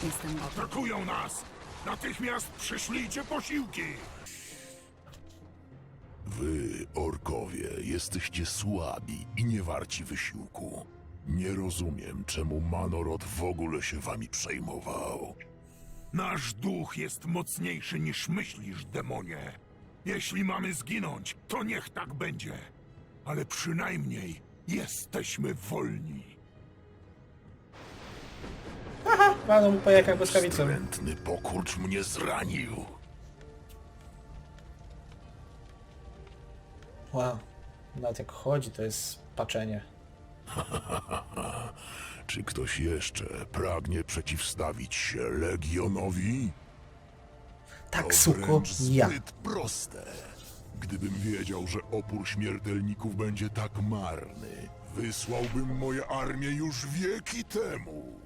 Jestem. Atakują nas! Natychmiast przyszlijcie posiłki! Wy, orkowie, jesteście słabi i nie warci wysiłku. Nie rozumiem, czemu Manorod w ogóle się wami przejmował. Nasz duch jest mocniejszy niż myślisz, demonie. Jeśli mamy zginąć, to niech tak będzie. Ale przynajmniej jesteśmy wolni. Walnął mu po jajkach błyskawicą. Wstrętny pokurcz mnie zranił. Wow. Nawet jak chodzi, to jest paczenie. Czy ktoś jeszcze pragnie przeciwstawić się Legionowi? Tak, To suko, wręcz ja. zbyt proste. Gdybym wiedział, że opór śmiertelników będzie tak marny, wysłałbym moje armię już wieki temu.